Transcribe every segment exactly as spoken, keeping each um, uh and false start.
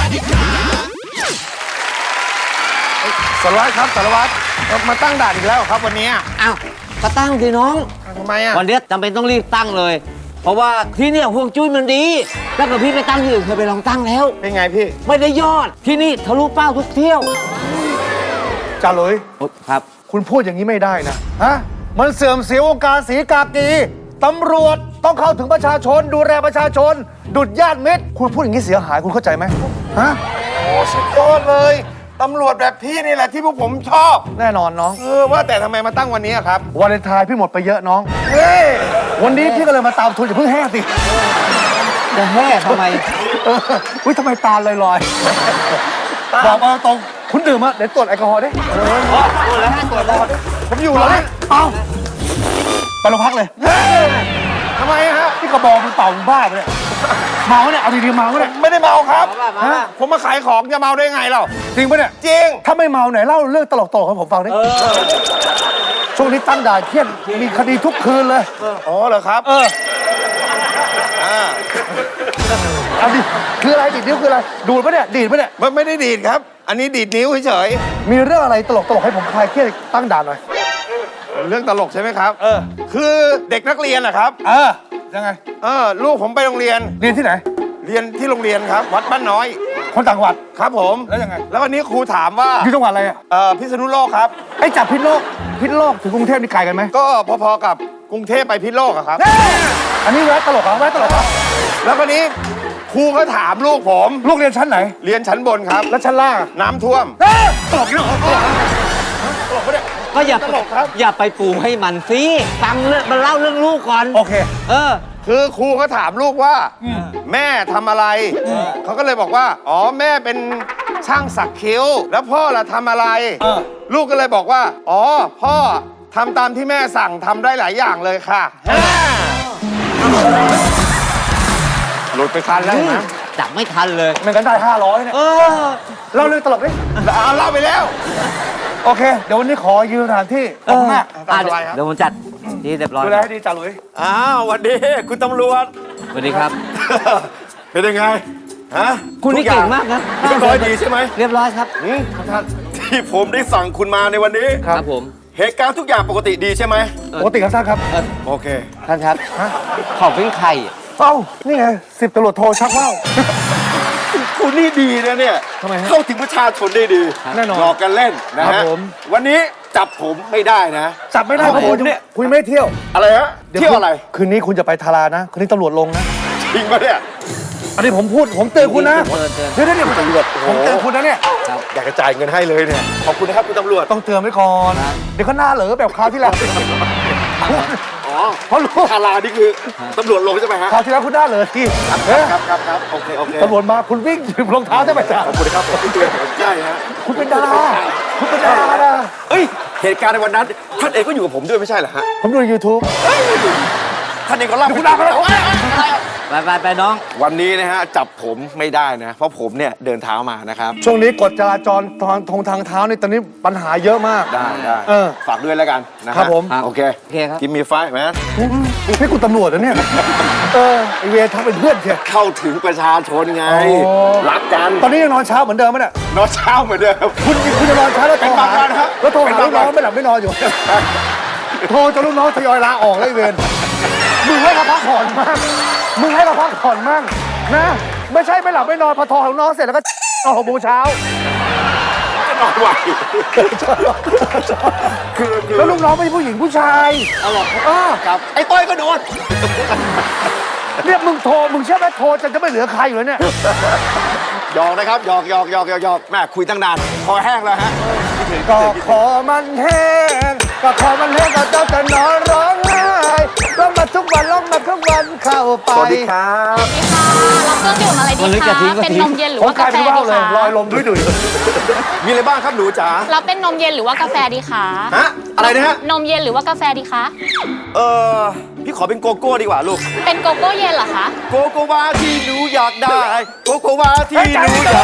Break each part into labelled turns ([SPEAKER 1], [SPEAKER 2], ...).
[SPEAKER 1] สารวัตรครับสารวัตรมาตั้งด่านอีกแล้วครับวันนี้
[SPEAKER 2] อ้าวก็ตั้งสิน้อง
[SPEAKER 1] ทำไมอ่ะ
[SPEAKER 2] วันนี้จำเป็นต้องรีบตั้งเลย เพราะว่าที่เนี่ยห่วงจุ้ยมันดีถ้าเกิดพี่ไปตั้งที่อื่นเคยไปลองตั้งแล้ว
[SPEAKER 1] เป็นไงพี่
[SPEAKER 2] ไม่ได้ยอดที่นี่ทะลุเป้าทุกเที่ยว
[SPEAKER 3] จ่าหลุย
[SPEAKER 2] ครับ
[SPEAKER 3] คุณพูดอย่างนี้ไม่ได้นะฮะมันเสื่อมเสียวงการศรีกากีตำรวจต้องเข้าถึงประชาชนดูแลประชาชนดุจญาติมิตรคุณพูดอย่างนี้เสียหายคุณเข้าใจไหมฮะ
[SPEAKER 1] โอ้สุดยอดเลยตำรวจแบบพี่นี่แหละที่พวกผมชอบ
[SPEAKER 3] แน่นอนน้อง
[SPEAKER 1] เออว่าแต่ทำไมมาตั้งวันนี้ครับ
[SPEAKER 3] วาเลนไทน์พี่หมดไปเยอะน้อง
[SPEAKER 1] เฮ้ย
[SPEAKER 3] วันนี้พี่ก็เลยมาตามทุนอย่าเพิ่งแห้สิ
[SPEAKER 2] จะแห่ทำไม
[SPEAKER 3] อุ้ยทำไมตาลอยๆบอกมาตรงคุณดื่มอะเดี๋ยวตรวจแอลกอฮอล์ดิ
[SPEAKER 2] ตรวจแล้วตรวจแล้ว
[SPEAKER 3] ผมอยู่เลยเอาไปโรงพักเลย
[SPEAKER 1] ทำไมฮะ
[SPEAKER 3] พี่กระบอกมันเป่าบ้าไปเลยเมาเนี่ยเอาดีๆเมาเนี่ย
[SPEAKER 1] ไม่ได้เมาครับผมมาขายของจะเมาได้ไงเรา
[SPEAKER 3] จริงปะเนี่ย
[SPEAKER 1] จริง
[SPEAKER 3] ถ้าไม่เมาไหนเล่าเรื่องตลกๆให้ผมฟังดิช่วงนี้ตั้งด่านเครียดมีคดีทุกคืนเลย
[SPEAKER 1] อ๋อเหรอครับ
[SPEAKER 3] เออเอาดิคืออะไรดีดนิ้วคืออะไรดูดปะเนี่ยดีดปะเนี่ย
[SPEAKER 1] ไม่ไม่ได้ดีดครับอันนี้ดีดนิ้วเฉย
[SPEAKER 3] มีเรื่องอะไรตลกๆให้ผมคลายเครียดตั้งด่านหน่อย
[SPEAKER 1] เรื่องตลกใช่ไหมครับ
[SPEAKER 3] เออ
[SPEAKER 1] คือเด็กนักเรียนนะครับ
[SPEAKER 3] เออยังไง
[SPEAKER 1] เออลูกผมไปโรงเรียน
[SPEAKER 3] เรียนที่ไหน
[SPEAKER 1] เรียนที่โรงเรียนครับวัดบ้านน้อย
[SPEAKER 3] คนต่างจังหวัด
[SPEAKER 1] ครับผม
[SPEAKER 3] แล้วยังไง
[SPEAKER 1] แล้ววันนี้ครูถามว่า
[SPEAKER 3] อยู่จังหวัดอะไรอ่ะ
[SPEAKER 1] เออพิษณุโลกครับ
[SPEAKER 3] ไอ้จากพิษณุโลกพิษณุโลกถึงกรุงเทพนี่ไกลกันไหม
[SPEAKER 1] ก็พอๆกับกรุงเทพไปพิษณุโลกครับ
[SPEAKER 3] อันนี้แวะตลกเหรอแวะตลกเหรอ
[SPEAKER 1] แล้ววันนี้ครูก็ถามลูกผม
[SPEAKER 3] ลูกเรียนชั้นไหน
[SPEAKER 1] เรียนชั้นบนครับ
[SPEAKER 3] แล้วชั้นล่าง
[SPEAKER 1] น้ำท่วม
[SPEAKER 3] ตลกนี่เหรอตลกตลกปะเนี่ย
[SPEAKER 2] ก็อย่าตลกครับอย่าไปปูให้มันสิฟังเรื่องมันเล่าเรื่องลูกก่อน
[SPEAKER 3] โอเค
[SPEAKER 2] เออ
[SPEAKER 1] คือครูก็ถามลูกว่าแม่ทำอะไรเขาก็เลยบอกว่าอ๋อแม่เป็นช่างสักคิ้วแล้วพ่อล่ะทำอะไรลูกก็เลยบอกว่าอ๋อพ่อทำตามที่แม่สั่งทำได้หลายอย่างเลยค่ะหลุดไปทันแล้วนะ
[SPEAKER 2] จับไม่ทันเลย
[SPEAKER 3] มันกันได้ห้าร้อยเนี่ยเล่าเรื่องตลกดิ
[SPEAKER 1] เอาเล่าไปแล้ว
[SPEAKER 3] โอเคเดี๋ยววันนี้ขอยืมสถานที่ขอบคุณมาก
[SPEAKER 2] เดี๋ยวผมจัดดีเรียบร้อย
[SPEAKER 3] ดูแลให้ดีจ่าหลุย
[SPEAKER 1] อ้าวสวัสดีคุณตำรวจ
[SPEAKER 2] สวัสดีครับ
[SPEAKER 1] เป็นยังไงฮะ
[SPEAKER 2] คุณนี่เก่งมากนะ
[SPEAKER 1] เรียบร้อยดีใช่ไหม
[SPEAKER 2] เรียบร้อยครับ
[SPEAKER 1] ท่านที่ผมได้สั่งคุณมาในวันนี้
[SPEAKER 2] ครับผม
[SPEAKER 1] เหตุการณ์ทุกอย่างปกติดีใช่ไหม
[SPEAKER 3] ปกติครับท่านครับ
[SPEAKER 1] โอเค
[SPEAKER 2] ท่านครับขอบเป็นใคร
[SPEAKER 3] เอ้านี่ไงสิบตำรวจโทชักว่าว
[SPEAKER 1] คุณนี่ดีนะเนี่ย
[SPEAKER 3] ทำไม
[SPEAKER 1] เข้าถึงประชาชนได้ดี
[SPEAKER 3] แน่นอน
[SPEAKER 1] หลอกกันเล่นนะฮะวันนี้จับผมไม่ได้นะ
[SPEAKER 3] จับไม่ได้เพราะคุณเนี่ยคุณไม่เที่ยว
[SPEAKER 1] อะไรฮะเที่ยวอะไร
[SPEAKER 3] คืนนี้คุณจะไปทารานะคืนนี้ตำรวจลงนะ
[SPEAKER 1] จริงปะเนี่ย
[SPEAKER 3] อันนี้ผมพูดผมเตือนคุณนะเดี๋ยวเดี๋ยวตำรวจผมเตือนคุณนะเนี่ย
[SPEAKER 1] อยากจะจ่ายเงินให้เลยเนี่ยขอบคุณนะครับคุณตำรวจ
[SPEAKER 3] ต้องเตือนไว้ก่อนเดี๋ยวเขาหน้าเหลอแบบคราวที่แล้ว
[SPEAKER 1] อ๋อเพราะรู้ทารานี่คือตำรวจลงใช่ไหมฮะ
[SPEAKER 3] คราวที่แล้วคุณหน้าเหลอที่
[SPEAKER 1] ครับครับครับโอเคโอเค
[SPEAKER 3] ตำรวจมาคุณวิ่งถือรองเท้าใช่ไหมจ๊ะ
[SPEAKER 1] ขอบคุณครับคุณเตือนผมใช่ฮะ
[SPEAKER 3] คุณเป็นดาราคุณเป็นดารา
[SPEAKER 1] เฮ้ยเหตุการณ์ในวันนั้นท่านเองก็อยู่กับผมด้วยไม่ใช่เหรอฮะ
[SPEAKER 3] ผมดูในยูทูบ
[SPEAKER 1] ท่านเองก็เล่า
[SPEAKER 3] คุณดาไปแล้ว
[SPEAKER 2] ไปไปไปน้อง
[SPEAKER 1] วันนี้นะฮะจับผมไม่ได้นะเพราะผมเนี่ยเดินเท้ามานะครับ
[SPEAKER 3] ช่วงนี้กฎจราจรทางทงทางเท้านี่ตอนนี้ปัญหาเยอะมาก
[SPEAKER 1] ได้ได้ฝากด้วยแล้วกันนะครับ
[SPEAKER 3] ผม
[SPEAKER 1] โอเค
[SPEAKER 2] โอเคครับ
[SPEAKER 1] กินมีไฟไหม
[SPEAKER 3] ให้กูตำรวจนะเนี่ยเออไอเวทำเป็นเพื่อนเชีย
[SPEAKER 1] เข้าถึงประชาชนไงรักกัน
[SPEAKER 3] ตอนนี้ยังนอนเช้าเหมือนเดิมไหมเนี่ย
[SPEAKER 1] นอนเช้าเหมือนเดิม
[SPEAKER 3] คุณคุณจะนอนเช้าแล้วโทรหาแล้วโทรหาลูกน้องไม่หลับไม่นอนอยู่โทรจนลูกน้องทยอยลาออกเลยเวรมึงให้เราพักผ่อนมากมึงให้เราพักผ่อนมั่งนะไม่ใช่ไม่หลับไม่นอนพอโทรหาลูกน้องเสร็จแล้วก็นอนหกโมงเช้า
[SPEAKER 1] ก็นอนไหว
[SPEAKER 3] คือแล้วลูกน้องไม่ใช่ผู้หญิงผู้ชาย
[SPEAKER 1] เอาหรอครับไอ้ต้อยก็โดน
[SPEAKER 3] เนี่ยมึงโทรมึงเชื่อไหมโทรจะจะไม่เหลือใครอยู่แล้วเนี่ย
[SPEAKER 1] หยอกนะครับหยอกหยอกหยอกหยอกแม่คุยตั้งนานคอแห้งแล้วฮะ
[SPEAKER 3] ก็ขอมันแห้งก็ขอมันแห้งก็เจ้าจะนอนร้องไห้ร้องมาทุกวันร้องมาทุกวันเข้าไป
[SPEAKER 1] สวัสดีครับ
[SPEAKER 4] สวัสดีค่ะรับเครื่องดื่มอะไรดีคะเป็นนมเย็นหรือว่ากาแฟดีคะ
[SPEAKER 3] ลอยลมดุยดุย
[SPEAKER 1] มีอะไรบ้างครับหนูจ๋า
[SPEAKER 4] เราเป็นนมเย็นหรือว่ากาแฟดีคะ
[SPEAKER 1] ฮะอะไรนะฮะ
[SPEAKER 4] นมเย็นหรือว่ากาแฟดีคะ
[SPEAKER 1] เออพี่ขอเป็นโกโก้ดีกว่าลูก
[SPEAKER 4] เป็นโกโก้เย็นเหรอคะ
[SPEAKER 1] โกโกวาที่หนูอยากได้โกโกวาที่หนูอยาก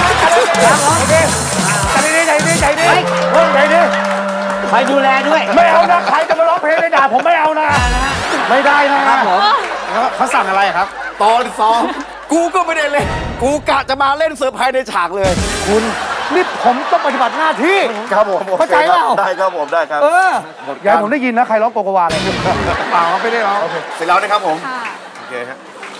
[SPEAKER 3] ใจดีใจดีใจดีใจดี
[SPEAKER 2] ไปดูแลด้วย
[SPEAKER 3] ไม่เอานะใครจะมาร้องเพลงในด่าผมไม่เอานะไม่ได้นะครับผม
[SPEAKER 1] เขาสั่งอะไรครับตอนซ้อมโก
[SPEAKER 5] กูก็ไม่ได้เล่นกูกะจะมาเล่นเซอร์ไพรส์ในฉากเลย
[SPEAKER 3] คุณนี่ผมต้องปฏิบัติหน้าที่
[SPEAKER 5] ครับผม
[SPEAKER 3] เข้าใจเปล่า
[SPEAKER 5] ได้ครับผมได้ครับ
[SPEAKER 3] เอออย่าให้ผมได้ยินนะใครร้องโกโกวาเลย
[SPEAKER 1] เปล่าไม่ได้ร้อง
[SPEAKER 5] เสร็จแล้วนะครับผม
[SPEAKER 4] ค่ะ
[SPEAKER 5] โอเคฮะ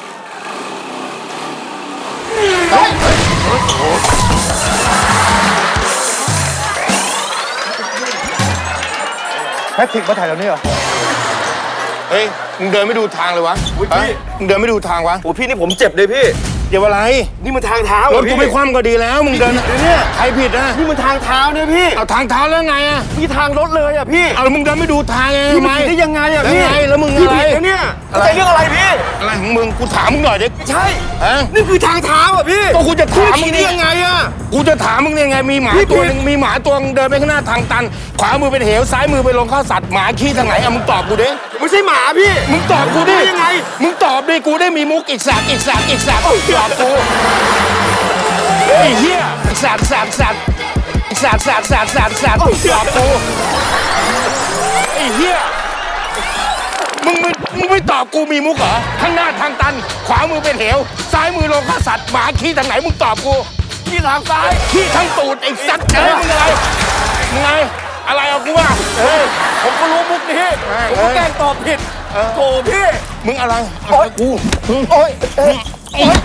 [SPEAKER 3] แพทริกมาถ่ายแถวนี้เหรอ
[SPEAKER 1] เฮ้ยมึงเดินไม่ดูทางเลยวะ
[SPEAKER 5] อุ๊ยพี่
[SPEAKER 1] ฮะมึงเดินไม่ดูทางวะ
[SPEAKER 5] โอ้พี่นี่ผมเจ็บเลยพี่
[SPEAKER 1] เดี๋ยวอะไร
[SPEAKER 5] นี่มันทางเท้าร
[SPEAKER 1] ถกูไม่คว่ำก็ดีแล้วมึงเดิน
[SPEAKER 5] เนี่ย
[SPEAKER 1] ใครผิดนะ
[SPEAKER 5] นี่มันทางเท้าเนี่ยพี่
[SPEAKER 1] เอาทางเท้าแล้วไงอะ
[SPEAKER 5] พี่ทางรถเลยอ่ะพี่
[SPEAKER 1] เอาแล้วมึงเดินไม่ดูทางไง
[SPEAKER 5] พี่
[SPEAKER 1] ทำไม
[SPEAKER 5] ผิดได้ยังไงอ่ะ
[SPEAKER 1] แล้ว
[SPEAKER 5] พี่
[SPEAKER 1] ไงแล้วมึง
[SPEAKER 5] พี่
[SPEAKER 1] อะไร
[SPEAKER 5] ผิดนะเนี่ย
[SPEAKER 1] อะไร
[SPEAKER 5] แต่เรื่องอะไรพี่
[SPEAKER 1] อะไรของมึงกูถามมึงหน่อยดิ
[SPEAKER 5] ใช่
[SPEAKER 1] ฮะ
[SPEAKER 5] นี่คือทางเท้าอ่ะพี่
[SPEAKER 1] ก็กูจะถามมึ
[SPEAKER 5] พี่
[SPEAKER 1] ง
[SPEAKER 5] ได้
[SPEAKER 1] นี่
[SPEAKER 5] ยังไงอ่ะ
[SPEAKER 1] กูจะถามมึงเนี่ยไงมีหมา
[SPEAKER 5] พี่
[SPEAKER 1] ตัว
[SPEAKER 5] ผิด
[SPEAKER 1] หนึงมีหมาตัวนึงเดินไปข้างหน้าทางตัน ขวามือเป็นเหวซ้ายมือไปลงข้าวสัตว์หมาขี้ทางไหนอะมึงตอบกูดิ
[SPEAKER 5] ไม่ใช่หมาพี่
[SPEAKER 1] มึงตอบกูดิ
[SPEAKER 5] ได้ยังไง
[SPEAKER 1] มึงตอบดิกูได้มีมุกอีกสากอีกสากอีกสากตอบกูไอ้เหี้ยอีกสากสากสากอีกสากสากสากสากสากตอบกูไอ้เหี้ยมึงไม่มึงไม่ตอบกูมีมุกเหรอข้างหน้าทางตัน ขวามือเป็นเหวซ้ายมือลงข้าวสัตว์หมาขี้ทางไหนมึงตอบกู
[SPEAKER 5] ที่ทางซ้าย
[SPEAKER 1] ขี้ทั้งตูดไอ้สัตว์เอ้ยมึงอะไรมึงไงอะไรเอากูว่าเฮ้ย
[SPEAKER 5] ผมก็รู้มุกนี้ผมก็แกล้งตอบผิดโถพี่
[SPEAKER 1] มึงอะไรเอากูมึง
[SPEAKER 5] โอ๊ยเอ้ย
[SPEAKER 1] โอ๊ย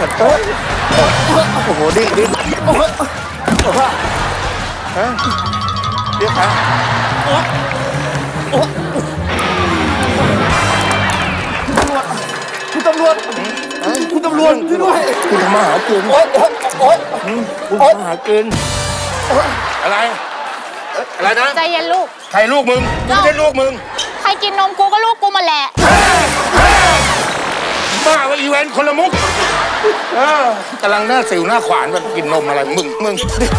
[SPEAKER 1] โอ้โหดิ้นดิ้นฮะเรียกใคร
[SPEAKER 5] คุณตำรวจคุณตำรวจช่วยด้วย
[SPEAKER 1] กูทำมาหากิน
[SPEAKER 5] โอ๊ยโอ๊ยโอ๊ย
[SPEAKER 1] กูทำมาหากินอะไรอะไรนะ
[SPEAKER 4] ใจเย็นลูก
[SPEAKER 1] ใครลูกมึงกูไม่ใช่ลูกมึง
[SPEAKER 4] ใครกินนมกูก็ลูกกูมาแหละ
[SPEAKER 1] บ้าว่าอีเวนต์คนละมุกเออกำลังหน้าสิวหน้าขวานแบบกินนมอะไรมึงมึง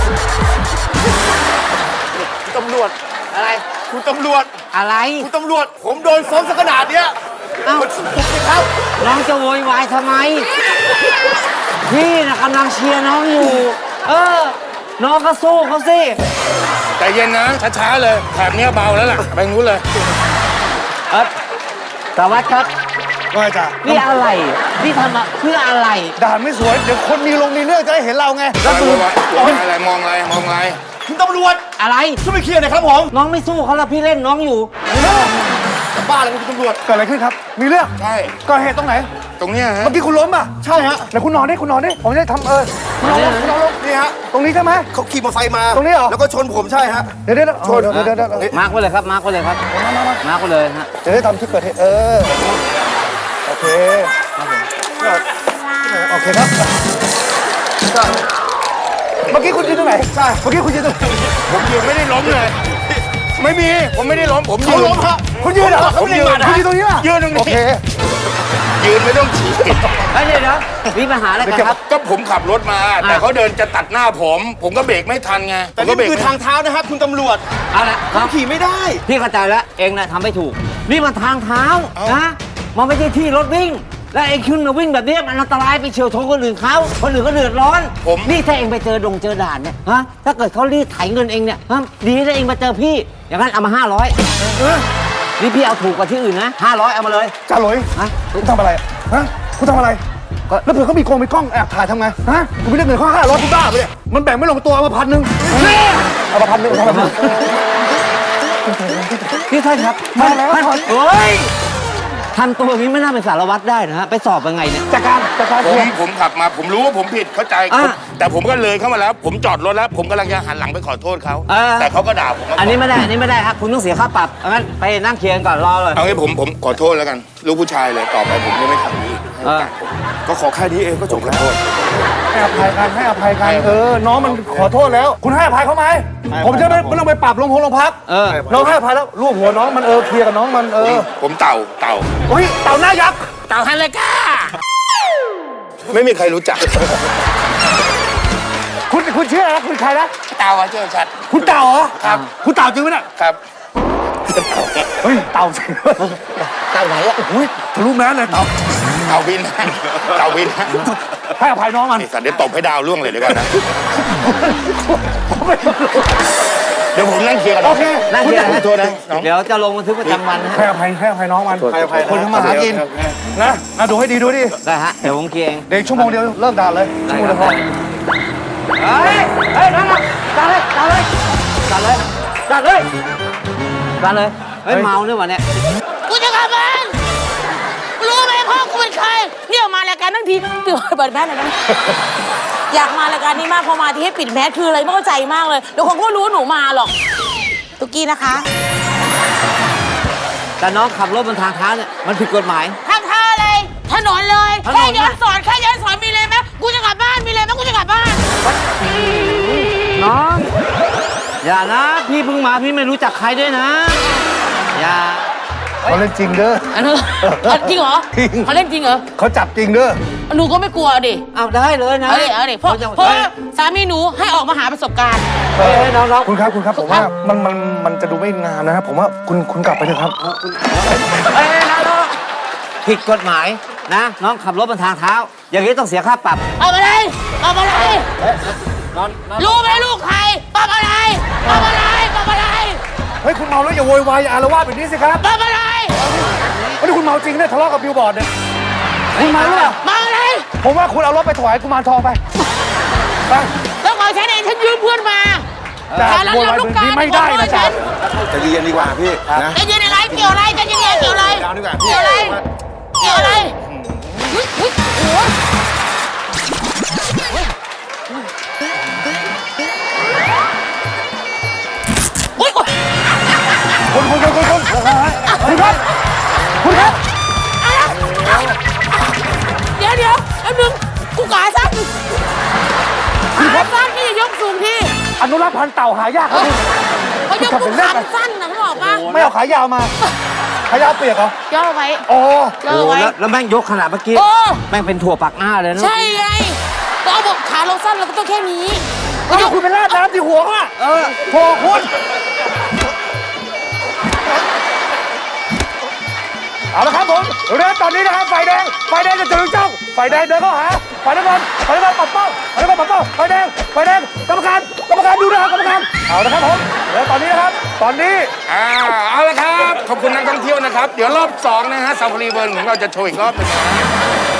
[SPEAKER 5] คุณตำรวจ
[SPEAKER 2] อะไร
[SPEAKER 5] คุณตำรวจ
[SPEAKER 2] อะไร
[SPEAKER 5] คุณตำรวจ ผมโดนฟ้องสักขนาดเนี้ย
[SPEAKER 2] เอ้า
[SPEAKER 5] ครับ
[SPEAKER 2] น้องจะโวยวายทำไม พี่นะกำลังเชียร์น้องอยู่ เออ น้องก็สู้เขาสิ
[SPEAKER 1] ใจเย็นนะช้าๆเลยแถบเนี้ยเบาแล้วล่ะไปงู้นเลย
[SPEAKER 2] เออสารวัตรครับ
[SPEAKER 3] ว่าจ้ะ
[SPEAKER 2] นี่อะไร นี่ทำมาเพื่ออะไร
[SPEAKER 3] ด่านไม่สวย เดี๋ยวคนมีลงมีเรื่องจะได้เห็นเราไง
[SPEAKER 1] แล้วมึงอะไรมองอะไรมองอะไร
[SPEAKER 5] คุณตำรวจ
[SPEAKER 2] อะไร
[SPEAKER 5] ช่วยไปเคลียร์หน่อยครับผม
[SPEAKER 2] น้องไม่สู้เขาแล้วพี่เล่นน้องอยู่
[SPEAKER 5] จะบ้าเลยคุณตำรวจ
[SPEAKER 3] เกิดอะไรขึ้นครับ มีเรื่อง
[SPEAKER 1] ใช่
[SPEAKER 3] ก่อเหตุตรงไหน
[SPEAKER 1] ตรงเนี้ยฮะ
[SPEAKER 3] เมื่อกี้คุณล้มอ่ะ
[SPEAKER 5] ใช่ฮะ
[SPEAKER 3] ไหนคุณนอนดิคุณนอนดิ ผมจะได้ทำเออคุณนอนลงคุณนอนลง
[SPEAKER 5] นี่ฮะ
[SPEAKER 3] ตรงนี้ใช่ไหม
[SPEAKER 5] เขาขี่มอเตอร์ไซค์มา
[SPEAKER 3] ตรงนี้เหรอ
[SPEAKER 5] แล้วก็ชนผมใช่ฮะ
[SPEAKER 3] เดี๋ยวเดี๋ยวเดี๋ยวเดี๋ยวเดี๋ยวเดี๋ยวเดี๋ยว
[SPEAKER 2] มาร์กไว้เลยครับ มาร์กไว้เลยครับ มาร์กไว้เลยฮะ
[SPEAKER 3] จะได้ทำที่เกิดเหตุเออ โอเคโอเคครับก็เมื่อกี้คุณยืนตรงไหน ใช่ เมื่อกี้คุณยืนตรงไหน
[SPEAKER 1] ผมยืนไม่ได้ล้มเลย ไม่มีผมไม่ได้ล้มผมยื
[SPEAKER 5] เขา
[SPEAKER 1] น
[SPEAKER 5] ล้มฮะ
[SPEAKER 3] คุณยืนเหรอ
[SPEAKER 1] ผมยืน
[SPEAKER 3] คุณยืนตรงนี้ป่ะ
[SPEAKER 1] ยืนตรงนี้
[SPEAKER 3] โอเค
[SPEAKER 1] ยืนไม่ต้องฉี่
[SPEAKER 2] เฮ้ยเดี๋ยวเดี๋ยวมีปัญหาอะไรกันครับ
[SPEAKER 1] ก็ผมขับรถมา แต่เขาเดินจะตัดหน้าผม ผมก็เบรกไม่ทันไงผ
[SPEAKER 5] แต่
[SPEAKER 1] มก็
[SPEAKER 5] นี่
[SPEAKER 1] เบรก
[SPEAKER 5] คือ
[SPEAKER 1] ไม่
[SPEAKER 5] ทางเท้านะครับคุณตำรวจ
[SPEAKER 2] เอาละครับ
[SPEAKER 5] ขี่ไม่ได้
[SPEAKER 2] พี่เข้าใจแล้วเองนะทำไม่ถูก นี่มันทางเท้านะมันไม่ใช่ที่รถวิ่ง และเองขึ้นมาวิ่งแบบนี้มันอันตรายไปเฉียวชนคนอื่นเขาคนอื่นก็เดือดร้อน
[SPEAKER 1] ผม
[SPEAKER 2] นี่ถ้าเองไปเจอดงเจอด่านเนี่ยฮะถ้าเกิดเขารีดไถเงินเองเนี่ยฮะดีถ้าเองมาเจอพี่ อย่างนั้นเอามาห้าร้อยนี่พี่เอาถูกกว่าที่อื่นนะห้าร้อยเอามาเลย
[SPEAKER 3] จ่าหลอย
[SPEAKER 2] ฮะ
[SPEAKER 3] คุณทำอะไรฮะคุณทำอะไร
[SPEAKER 2] ก็
[SPEAKER 3] แล้วเผื่อเขามีกล้องมีกล้องแอบถ่ายทำไงฮะคุณไม่ได้เงินเขาห้าร้อยคุณบ้าไปเนี่ยมันแบ่งไม่ลงตัวเอามาพันหนึ่งเอามาพันหนึ่งเอามาพันหนึ่ง
[SPEAKER 2] พี่ท่านครับ
[SPEAKER 3] มาแล้ว
[SPEAKER 2] ท่าน
[SPEAKER 3] ถอน
[SPEAKER 2] เฮ้ยทำตัวอย่างนี้ไม่น่าเป็นสารวัตรได้นะฮะไปสอบยังไงเนี่ย
[SPEAKER 3] จัดการจัดการ
[SPEAKER 1] ผ
[SPEAKER 3] เคลี
[SPEAKER 1] ม
[SPEAKER 3] ยร์
[SPEAKER 1] ผมขับมาผมรู้ว่าผมผิดเข้าใจ
[SPEAKER 2] อ่ะ
[SPEAKER 1] แต่ผมก็เลยเข้ามาแล้ว ผมจอดรถแล้ว ผมกำลังจะหันหลังไปขอโทษเขา
[SPEAKER 2] เออ
[SPEAKER 1] แต่เขาก็ด่าผมว่า
[SPEAKER 2] อันนี้ไม่ได้อันนี้ไม่ได้ครับคุณต้องเสียค่าปรับงั้นไปนั่งเคลียร์กันก่อนรอเลย
[SPEAKER 1] เอางี้ผมผมขอโทษแล้วกัน ลูกผู้ชายเลยต่อไปผมจะไม่ทำอย่างนี้
[SPEAKER 2] เออ
[SPEAKER 5] ก็ขอแค่นี้เองก็จบแล้ว
[SPEAKER 3] ให้อภัยกันให้อภัยกันเออน้องมันขอโทษแล้ว คุณให้อภัยเขาไหมผมจะไม่ไม่ต้องไปปรับลงพงลงพัก
[SPEAKER 2] เออ
[SPEAKER 3] น้องให้อภัยแล้วลูกหัวน้องมันเออเคลียร์กับน้องมันเออ
[SPEAKER 1] ผมเต่าเต่า
[SPEAKER 3] อุ้ยเต่าหน้ายักษ์
[SPEAKER 1] เต่าฮันเลยก้าไม่มีใครรู้จัก
[SPEAKER 3] คุณคุณชื่ออะไรนะคุณใครนะ
[SPEAKER 1] เต่าอะเจ้าชัด
[SPEAKER 3] คุณเต่าเหรอ
[SPEAKER 1] ครับ
[SPEAKER 3] คุณเต่าจริงไหมเนี่ย
[SPEAKER 1] ครับ
[SPEAKER 3] เฮ้ยเต่าจริง
[SPEAKER 2] เต่าไหนอะ
[SPEAKER 3] อุ้ยทะลุแมสเลยเต่า
[SPEAKER 1] เต่าบินเต่าบิน
[SPEAKER 3] ให้อภัยน้องมัน
[SPEAKER 1] ไอ้สัตว์เดี๋ยวตบให้ดาวร่วงเลยดีกว่านะ
[SPEAKER 3] ผมไม่รู้
[SPEAKER 5] เดี๋ยวผมนั่งเคลียร์กัน
[SPEAKER 3] โอเค
[SPEAKER 2] นั่งเคลียร์
[SPEAKER 5] ขอโทษนะน้อง
[SPEAKER 2] เดี๋ยวจะลงบันทึกประจำวันนะ
[SPEAKER 3] ให้
[SPEAKER 2] ฮะ
[SPEAKER 3] อภัยให้อภัยน้องมัน
[SPEAKER 5] ให้อภัยนะ
[SPEAKER 3] คนทำมาหากินนะอ่ะดูให้ดีดูดิ
[SPEAKER 2] ได้ฮะ เดี๋ยวผมเคลียร์เอง
[SPEAKER 3] เดี๋ยวอีกชั่วโมงเดียวเลิกด่าเลยชั่วโมงเดียวพอ
[SPEAKER 2] เฮ้ย เฮ้ยนั่นน่ะจัดเลยจัดเลยจัดเลยจัดเลยจัดเลย เฮ้ย เมาเนี่ยวะเนี่ย
[SPEAKER 4] กูจะกลับบ้านรู้ไหมพ่อกูเป็นใครเนี่ยมารายการทั้งทีตื่นเปิดแมสหน่อยได้ไหมอยากมารายการนี้มากพอมาที่ให้ปิดแมสคืออะไรไม่เข้าใจมากเลยเดี๋ยวคนก็รู้ว่าหนูมาหรอกตุกกี้นะคะ
[SPEAKER 2] แต่น้องขับรถบนทางเท้าเนี่ย มันผิดกฎหมาย
[SPEAKER 4] ทางท่าเลยถนนเลย
[SPEAKER 2] ถนน
[SPEAKER 4] แค่ย้อนสอนแค่ย้อนสอนมีเลยไหมกูจะกลับบ้านมีเลยไหมกูจะกลับบ้าน
[SPEAKER 2] น้อง อย่านะ พี่เพิ่งมาพี่ไม่รู้จักใครด้วยนะ อย่า
[SPEAKER 3] เขาเล่นจริงเด้อ
[SPEAKER 4] อันนั้นจริงเหรอ
[SPEAKER 3] จริง
[SPEAKER 4] เขาเล่นจริงเหรอ
[SPEAKER 3] เขาจับจริงเด้อ
[SPEAKER 4] หนูก็ไม่กลัวดิ
[SPEAKER 2] เอาได้เลยนะ
[SPEAKER 4] เอาดิเอาดิเพราะ
[SPEAKER 2] จะ
[SPEAKER 4] เพราะว่าสามีหนูให้ออกมาหาประสบการณ์
[SPEAKER 2] เฮ้ยเฮ้ยน้องน้อง
[SPEAKER 3] คุณครับคุณครับผมว่ามันมันมันจะดูไม่งามนะครับผมว่าคุณคุณกลับไปเถอะครับ
[SPEAKER 2] เฮ้ยน้องน้องผิดกฎหมายนะ น้องขับรถบนทางเท้า อย่างนี้ต้องเสียค่าปรับ
[SPEAKER 4] เอามาเลยเอามาเลย
[SPEAKER 2] น้องน้อง
[SPEAKER 4] รู้ไหมลูกใครปรับอะไรปรับอะไรปรับอะไร
[SPEAKER 3] เฮ้ยคุณเมาแล้วอย่าโวยวายอย่าอารวาสแบบนี้สิครับ
[SPEAKER 4] ปรับอะไร
[SPEAKER 3] วันนี้คุณเมาจริงเนี่ยทะเลาะกับบิลบอร์ดเนี่ยคุณเมาหรือเปล่า
[SPEAKER 4] มาอะไร
[SPEAKER 3] ผมว่าคุณเอารถไปถวายกุมารทองไปไป
[SPEAKER 4] แล้วขอฉันเองฉันยืมเพื่อนมา
[SPEAKER 3] จะ
[SPEAKER 4] แต่แล้ว
[SPEAKER 3] โวยวาย
[SPEAKER 4] ลู
[SPEAKER 3] แบ
[SPEAKER 4] ก
[SPEAKER 3] บ
[SPEAKER 4] กา
[SPEAKER 3] นี้
[SPEAKER 4] ร
[SPEAKER 3] ไม่ได้นะจ๊ะ
[SPEAKER 5] จะเรียนดีกว่าพี่นะ
[SPEAKER 4] จะยืนอะไรเกี่ยวอะไรจะยังไงเกี่ยวอะไร
[SPEAKER 5] ยาวดีกว่าพี่
[SPEAKER 4] เกี่ยวอะไรเกี่ยวอะไรเฮ้ยเฮ้ยโอ้โหโอ้ยโอ้ย
[SPEAKER 3] คุณคุณคุณคุณคุณคุณครับคุณครับ
[SPEAKER 4] เดี๋ยวเดี๋ยวแป๊บนึงกูขาสั้นขาสั้นนี่อย่ายกสูงที่
[SPEAKER 3] อนุรักษ์พันธุ์เต่าหายากครับคุณ
[SPEAKER 4] เขายกกูขาสั้นนะเขาบอกว่า
[SPEAKER 3] ไม่เอาขายาวมาขายาวเปียกเหรอย่
[SPEAKER 4] อไว้
[SPEAKER 3] โอ้
[SPEAKER 4] ย่อ
[SPEAKER 2] โอ้
[SPEAKER 4] ไว้
[SPEAKER 2] แล้วแล้วแม่งยกขนาดเมื่อกี้
[SPEAKER 4] โอ้
[SPEAKER 2] แม่งเป็นถั่วปักหน้าเลยนะ
[SPEAKER 4] ใช่ไงเราบอกขาเราสั้นเราก็ต้องแค่นี้
[SPEAKER 3] ก็ยกคุณเป็นราดน้ำที่หัวอ่ะเออโถคุณเอาละครับผมเรือตอนนี้นะครับไฟแดงไฟแดงจะถึงจ้องไฟแดงเดินเข้าหาไฟน้ำเงินไฟน้ำเงินปัดเป้าไฟน้ำเงินปัดเป้าไฟแดงไฟแดงกรรมการกรรมการดูนะครับกรรมการเอาละครับผมเรือตอนนี้นะครับตอนนี้
[SPEAKER 5] อ่าเอาละครับ ขอบคุณนักท่องเที่ยวนะครับ เดี๋ยวรอบสองนะฮะซาฟารีเวิร์ของเราจะโชว์อีกรอบหนึงนะ